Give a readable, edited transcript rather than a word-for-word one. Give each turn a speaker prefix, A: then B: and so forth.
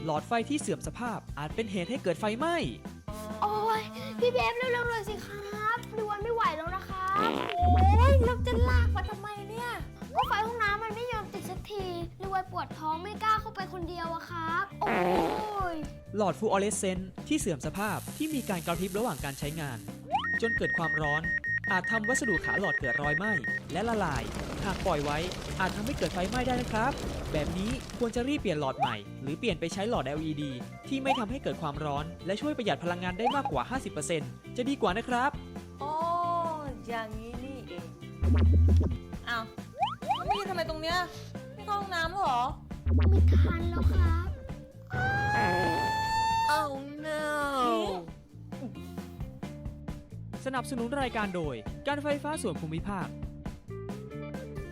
A: หลอดไฟที่เสื่อมสภาพอาจเป็นเหตุให้เกิดไฟไหม้
B: โอ้ยพี่เบฟเร็วๆเลยสิครับดิวันไม่ไหวแล้วนะครับโอ้ยแล้วจะลากมาทำไมเนี่ยก็ไฟห้องน้ำมันไม่ยอมติดสักทีดิวันปวดท้องไม่กล้าเข้าไปคนเดียวอะครับโอ้ย
A: หลอดฟลูออเรสเซนต์ที่เสื่อมสภาพที่มีการกระพริบระหว่างการใช้งาน จนเกิดความร้อน อาจทำวัสดุขาหลอดเกิดรอยไหม้และละลาย หากปล่อยไว้อาจทำให้เกิดไฟไหม้ได้นะครับ แบบนี้ควรจะรีบเปลี่ยนหลอดใหม่ หรือเปลี่ยนไปใช้หลอด LED ที่ไม่ทำให้เกิดความร้อน และช่วยประหยัดพลังงานได้มากกว่า 50% จะดีกว่านะครับ
C: อ๋ออย่างนี้นี่เองอ้าวแล้วไม่ยืนทำไมตรงเนี้ยไม่เข้าห้องน้ำเหรอ
B: ไม่ทันแล้วครับ
C: Oh no
A: สนับสนุนรายการโดยการไฟฟ้าส่วนภูมิภาค